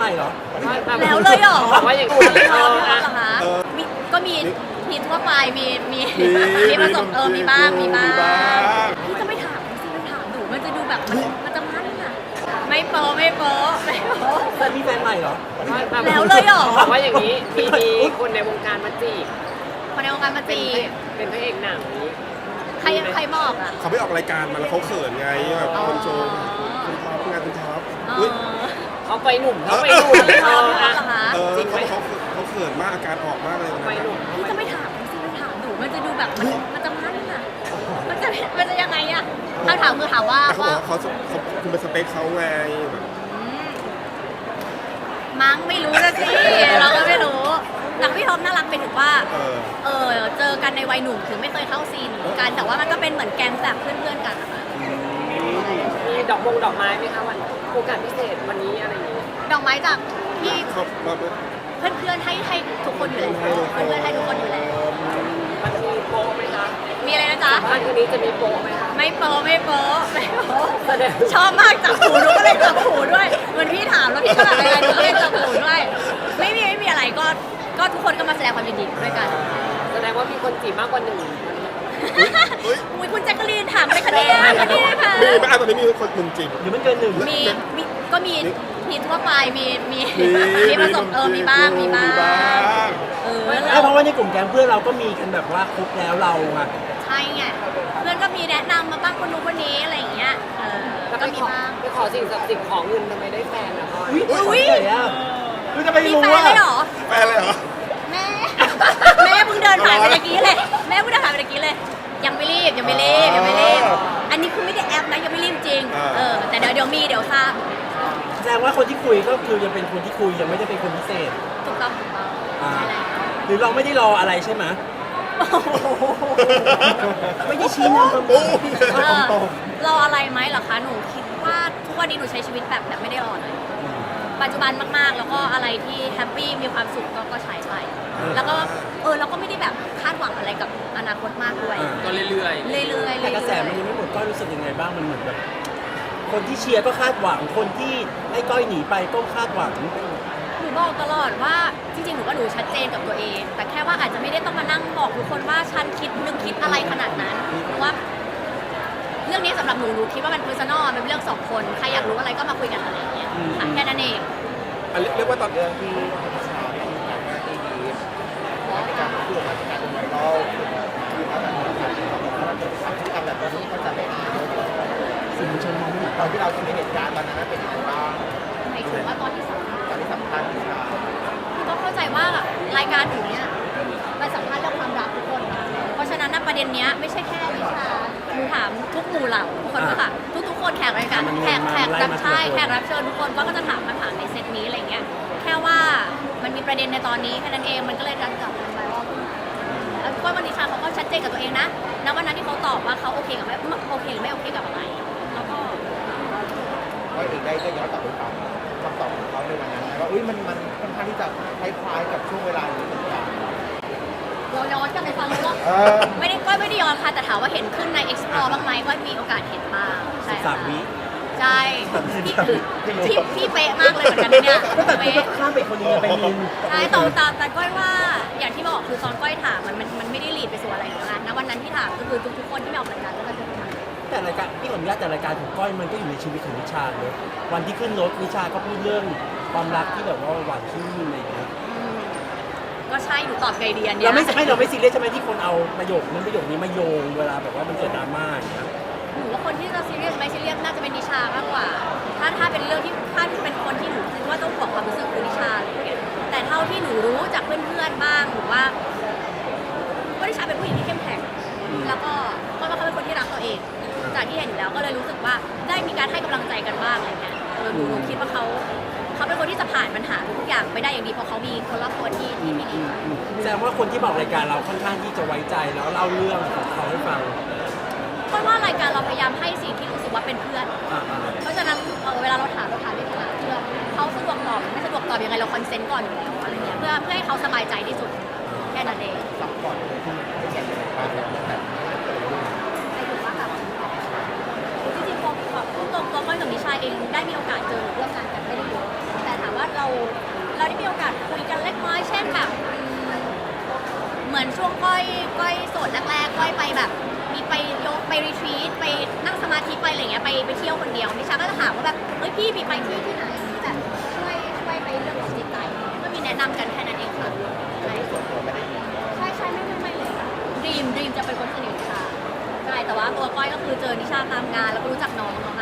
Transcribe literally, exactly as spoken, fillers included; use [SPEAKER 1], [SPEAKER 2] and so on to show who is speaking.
[SPEAKER 1] ใหม่เหรอ
[SPEAKER 2] แล้วเลยเหรอ
[SPEAKER 3] ว่าอย่างนี้
[SPEAKER 2] เหรอคะมีก็มีมีทั่วไปมีมีมีประสบเออมีบ้างมีบ้างพี่จะไม่ถามสิไม่ถามหนูมันจะดูแบบมันมันจะมั่นอ่ะไม่โป๊ไม่โป๊ไม่โป๊
[SPEAKER 1] แต่มีแฟนใหม่เหรอ
[SPEAKER 2] แล้วเลยเหรอ
[SPEAKER 3] ว่าอย่างนี้มีมีคนในวงการมาจีบ
[SPEAKER 2] คนในวงการมาจีบ
[SPEAKER 3] เป็นพระเอกหนังนี้
[SPEAKER 2] ใครใครบอกอ่ะ
[SPEAKER 4] เขาไปออกรายการมาแล้วเขาเขินไงแบบคนโชว์คุณท็อปงานคุณท็อป
[SPEAKER 3] เขาไปหนุ่มเขาไปหนุ่ม
[SPEAKER 2] เออ
[SPEAKER 4] เออเขาเขาเขาเขินมากอาการออกมากเลยนะ
[SPEAKER 3] ไปหนุ่ม
[SPEAKER 2] พี่จะไม่ถามสิไม่ถามหนูมันจะดูแบบมันมันจะมั่นอ่ะมันจะมันจะยังไงอ่ะคำถามคือถามว่า
[SPEAKER 4] เขาบอกเขาเขาคุณเป็นสเปคเขาไงแบบ
[SPEAKER 2] มั้งไม่รู้นะสิเราก็ไม่รู้แต่พี่ท็อปน่ารักไปถึงว่าเออเจอกันในวัยหนุ่มถึงไม่เคยเข้าซีนกันแต่ว่ามันก็เป็นเหมือนแก๊งแบบเพื่อนๆกันนะคะ
[SPEAKER 3] มีดอกมงดอกไม้ไหมคะวันโอกาสพิเศษวันนี้อะไรอย่างนี้
[SPEAKER 2] ดอกไม้จากพี่เพื่อนๆให้ให้ทุกคนอยู่แล้วเพื่อนๆให้ทุกคนอยู่แล้ว
[SPEAKER 3] มันมีโป๊ไหมคะ
[SPEAKER 2] มีอะไรนะจ๊ะ
[SPEAKER 3] วันนี้จะมีโป๊ไหมคะ
[SPEAKER 2] ไม่โป๊ไม่โป๊ไม่โป๊ชอบมากจับหูหนูก็เลยจับหูด้วยเหมือนพี่ถามแล้วพี่ก็แบบอะไรหนูก็เลยจับหูด้วยไม่มีไม่มีอะไรก็ก็ทุกคนก็มาแสดงความยินดีด้วยกัน
[SPEAKER 3] แสดงว่ามีคนจีบมากกว่าหนึ่ง
[SPEAKER 2] อุ้ยคุณแจ็คกะลีนถามอะไรคะเนี่ยคะเนี่ยค่ะ
[SPEAKER 4] ไม่อ่ะตอนนี้มีคนหนึ่งจริง
[SPEAKER 1] หรือมันเกินหนึ่ง
[SPEAKER 2] มีมีก็มีมีทั่วไปมีมีมีประสบเออมีบ้างมีบ้าง
[SPEAKER 1] เออเพราะว่าในกลุ่มแก๊งเพื่อนเราก็มีกันแบบว่าครบแล้วเราอะ
[SPEAKER 2] ใช่ไงเพื่อนก็มีแนะนำมาบ้างคนนู้นคนนี้อะไรอย่างเงี้ยเออก็มีบ้าง
[SPEAKER 3] ไปขอสิ่งศักดิ์สิทธิ์ของเงินทำไมได้แฟนนะพ่อ
[SPEAKER 1] อุ้ยคือจะไปรู้ว่า
[SPEAKER 2] แฟนเลยเหรอ
[SPEAKER 4] แฟนเลยเหรอ
[SPEAKER 2] แม่แม่เพิ่งเดินผ่านไปเมื่อกี้เลยแม่เพิ่งเดินผ่านไปเมื่อกี้เลยยังไม่รีบยังไม่รีบยังไม่รีบอันนี้คือไม่ได้แอปนะยังไม่รีบจริงเออแต่เดี๋ยวเดี๋ยวมีเดี๋ยวทราบ
[SPEAKER 1] แสดงว่าคนที่คุยก็คือยังเป็นคนที่คุยยังไม่ได้เป็นคนพิเศษ
[SPEAKER 2] ถูกต้องถูกต้องใช่แล้ว
[SPEAKER 1] หรือเราไม่ได้รออะไรใช่ไหมไม่ได้ชี้นำตรง
[SPEAKER 2] รออะไรไหมเหรอคะหนูคิดว่าทุกวันนี้หนูใช้ชีวิตแบบแบบไม่ได้รอเลยปัจจุบันมากๆแล้วก็อะไรที่แฮปปี้มีความสุขก็ใช้ไปแล้วก็เออเราก็ไม่ได้แบบคาดหวังอะไรกับอนาคตมากด้วย
[SPEAKER 3] ก็เรื่อย
[SPEAKER 2] ๆเรื่อยๆ
[SPEAKER 1] แต่กระแสมันยังไม่หมดก็รู้สึกยังไงบ้างมันเหมือนแบบคนที่เชียร์ก็คาดหวังคนที่ให้ก้อยหนีไปก็คาดหวัง
[SPEAKER 2] หนูบอกตลอดว่าจริงๆหนูก็หนูชัดเจนกับตัวเองแต่แค่ว่าอาจจะไม่ได้ต้องมานั่งบอกทุกคนว่าฉันคิดนึกคิดอะไรขนาดนั้นเพราะว่าเรื่องนี้สำหรับหนูหนูคิดว่ามัน personal มันเป็นเรื่องสองคนใครอยากรู้อะไรก็มาคุยกันอะไรอย่างเงี้ยแค่นั้นเอง
[SPEAKER 4] เรียกว่าตอน
[SPEAKER 5] เรื่องที่ชาไม่มีการมาที่ดีในการพูดมาจากการเป็นไวรัลคือถ้าแบบพฤติกรรมแบบนี้เขาจะไม่ดี
[SPEAKER 1] สื่อมวลชนมองไม่เห็น
[SPEAKER 5] ตอนที่เราทำในเหตุการณ์ตอนนั้นเป็นยังไงบ้าง
[SPEAKER 2] หมายถึงว่าตอนที่สัมภาษณ์
[SPEAKER 5] ตอนที่สัมภาษณ์ชา
[SPEAKER 2] คือต้องเข้าใจว่ารายการหนูเนี่ยมันสัมภาษณ์เรื่องความรักทุกคนเพราะฉะนั้นประเด็นนี้ไม่ใช่แค่วิชาหนูถามทุกหมู่เหล่าทุกคนก็ค่ะทุกๆคนแขกรายการแขกแขกรับใช่แขกรับเชิญทุกคนก็จะถามคำถามในเซตนี้อะไรเงี้ยแค่ว่ามันมีประเด็นในตอนนี้แค่นั้นเองมันก็เลยดันกลับมาไวรัลขึ้นมาแล้วก็วันนี้ชาเขาก็ชัดเจนกับตัวเองนะณวันนั้นที่เขาตอบว่าเขาโอเคกับไม่โอเคหรือไม่โอเคกับอะไรแล้วก็
[SPEAKER 5] ก็เองได้ก็ย้อนกลับไปฟังคำตอบของเขาในวันนั้นว่าอุ้ยมันมันค่อนข้างที่จะคล้ายๆกับช่วงเวลานี้เหมือนกัน
[SPEAKER 2] เราย้อนกลับไปฟังเลยว่าไม่ได้ก็ไม่ได้ย้อนค่ะแต่ถามว่าเห็นขึ้นใน explore บ้างไหมก็มีโอกาสเห็นบ้าง
[SPEAKER 1] ใช่สามวิ
[SPEAKER 2] ใช่พี่พี่พี่เป๊ะมากเลยเหมือนกันเนี่ย
[SPEAKER 1] เป๊ะข้ามไปคนนี้ไปมิน
[SPEAKER 2] ใช่ตอนตอนแต่ก้อยว่าอย่างที่บอกคือตอนก้อยถามมันมันมันไม่ได้ลีดไปสู่อะไรหรอกนะนะวันนั้นที่ถามก็คือทุกๆคนที่มาออกรายการแล้วก็จะถาม
[SPEAKER 1] แต่รายการพี่ขออนุญาตแต่รายการของก้อยมันก็อยู่ในชีวิตของนิชาเลยวันที่ขึ้นรถนิชาก็พูดเรื่องความรักที่แบบว่าหวานชื่นอะไรอย่างเงี้ย
[SPEAKER 2] ก็ใช่หนูตอบไงดีอันนี้
[SPEAKER 1] เราไม่ไม่เราไม่ซีเรียสใช่ไหมที่คนเอาประโยคนั้นประโยคนี้มาโยงเวลาแบบว่ามันเกิดดราม่าอย่างเงี้ย
[SPEAKER 2] หนูว่าคนที่จะซีเรียสไม่ซีเรียสน่าจะเป็นนิชามากกว่าถ้าถ้าเป็นเรื่องที่ถ้าเป็นคนที่หนูคิดว่าต้องบอกความรู้สึกคือนิชาอะไรอย่างเงี้ยแต่เท่าที่หนูรู้จากเพื่อนๆบ้างหรือว่าก็นิชาเป็นผู้หญิงที่เข้มแข็งแล้วก็ก็เขาเป็นคนที่รักตัวเองจากที่เห็นอยู่แล้วก็เลยรู้สึกว่าได้มีการให้กำลังใจกันบ้างอะไรเงี้ยหนูคิดว่าเขาเขาเป็นคนที่จะผ่านปัญหาทุกอย่างไปได้อย่างดีเพราะเขามีคนรอบตัวที่ที่ดี
[SPEAKER 1] แสดงว่าคนที่บอกรายการเราค่อนข้างที่จะไว้ใจแล้วเล่าเรื่องของเขาให้ฟัง
[SPEAKER 2] เพราะว่ารายการเราพยายามให้สิ่งที่รู้สึกว่าเป็นเพื่อนเพราะฉะนั้นเวลาเราถามเราถามในฐานะเพื่อนเขาสะดวกตอบไม่สะดวกตอบยังไงเราคอนเซนต์ก่อนอยู่แล้วอะไรเงี้ยเพื่อเพื่อให้เขาสบายใจที่สุดแค่นั้นเอง
[SPEAKER 5] สับก่อนไม่แก่ในบ้านแบบ
[SPEAKER 2] ใครถูกว่าแบบจริงๆพอพูดตรงตัวก้อยกับนิชาเองได้มีโอกาสเจอร่วมงานกันไม่ได้เยอะแต่ถามว่าเราไปรีทรีตไปนั่งสมาธิไปอะไรเงี้ยไปไปเที่ยวคนเดียวนิชาก็จะถามว่าแบบเฮ้ยพี่มีไปที่ที่ไหนที่แบบช่วยช่วยไปเรื่องของจิตใจก็มีแนะนำกันแค่นั้นเองค่ะใช่ใช่ใช่ไม่ไม่ไม่เลยค่ะดรีมดรีมจะเป็นคนสนิทค่ะใช่แต่ว่าตัวก้อยก็คือเจอนิชาตามงานแล้วก็รู้จักน้อง